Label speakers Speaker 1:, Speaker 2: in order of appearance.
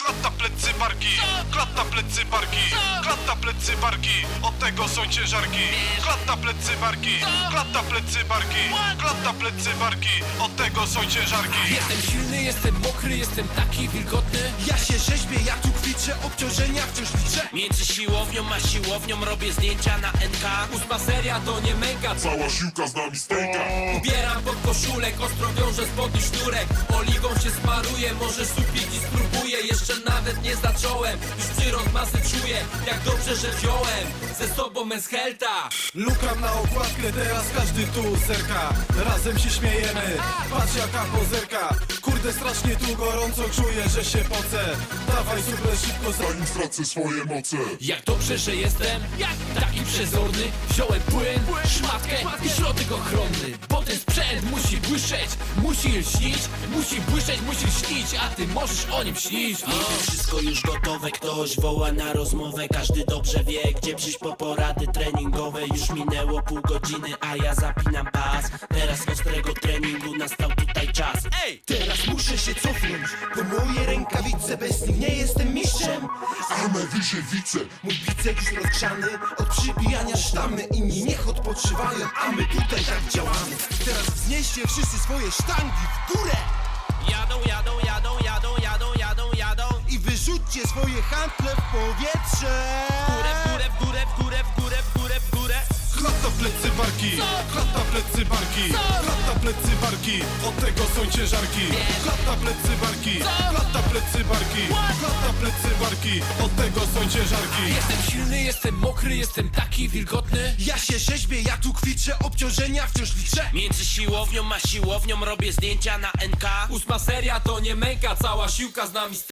Speaker 1: Klatta, plecy, barki. Klatta, plecy, barki. Klatta, plecy, barki. Od tego są ciężarki. Klatta, plecy, barki. Klatta, plecy, barki. Klatta, plecy, barki. Od tego są ciężarki.
Speaker 2: Jestem silny, jestem mokry, jestem taki wilgotny.
Speaker 3: Ja się rzeźbię, ja tu kwiczę, obciążenia wciąż liczę.
Speaker 4: Między siłownią a siłownią robię zdjęcia na NK.
Speaker 2: 8 seria to nie męka.
Speaker 5: Cała siłka z nami stęka.
Speaker 2: Ubieram pod koszulek, ostro wiążę spodni sznurek. Oliwą się smaruję, może supić i spróbuję. Jeszcze nawet nie zacząłem, już przyrost masy czuję. Jak dobrze, że wziąłem ze sobą Meshelta.
Speaker 3: Lukam na okładkę, teraz każdy tu zerka. Razem się śmiejemy, patrz jaka pozerka. Kurde, strasznie tu gorąco, czuję, że się pocę. Dawaj super szybko,
Speaker 5: Zanim stracę swoje moce.
Speaker 2: Jak dobrze, że jestem taki przezorny. Wziąłem płyn, szmatkę i środek ochronny. Bo ten sprzęt musi błyszczeć, musi lśnić. Musi błyszczeć, musi lśnić, a ty możesz o nim śnić.
Speaker 4: Niby wszystko już gotowe, ktoś woła na rozmowę. Każdy dobrze wie, gdzie przyjść po porady treningowe. Już minęło pół godziny, a ja zapinam pas. Teraz ostrego treningu nastał tutaj czas. Ej!
Speaker 3: Teraz muszę się cofnąć, bo moje rękawice bez nich nie jestem mistrzem.
Speaker 5: Ame wyżewice.
Speaker 3: Mój bicek już rozgrzany od przybijania sztamy. Inni niech odpoczywają, a my tutaj tak działamy. Teraz wznieście wszyscy swoje sztangi w górę
Speaker 4: Jadą, jadą, jadą, jadą, jadą, jadą, jadą.
Speaker 3: i wyrzućcie swoje handle w powietrze.
Speaker 4: W górę, w górę, w górę, w górę, w górę, w górę, w górę.
Speaker 1: Klatta, plecy, barki. Klatta, plecy, barki. Klatta, plecy, barki. Od tego są ciężarki. Klatta, plecy, barki. Klatta, plecy, barki. Klatta, plecy, barki. Od tego są ciężarki.
Speaker 2: Jestem silny, jestem mokry, jestem taki wilgotny.
Speaker 3: Ja się rzeźbię, ja tu kwiczę, obciążenia wciąż liczę.
Speaker 4: Między siłownią a siłownią robię zdjęcia na NK.
Speaker 2: 8 seria to nie męka, cała siłka z nami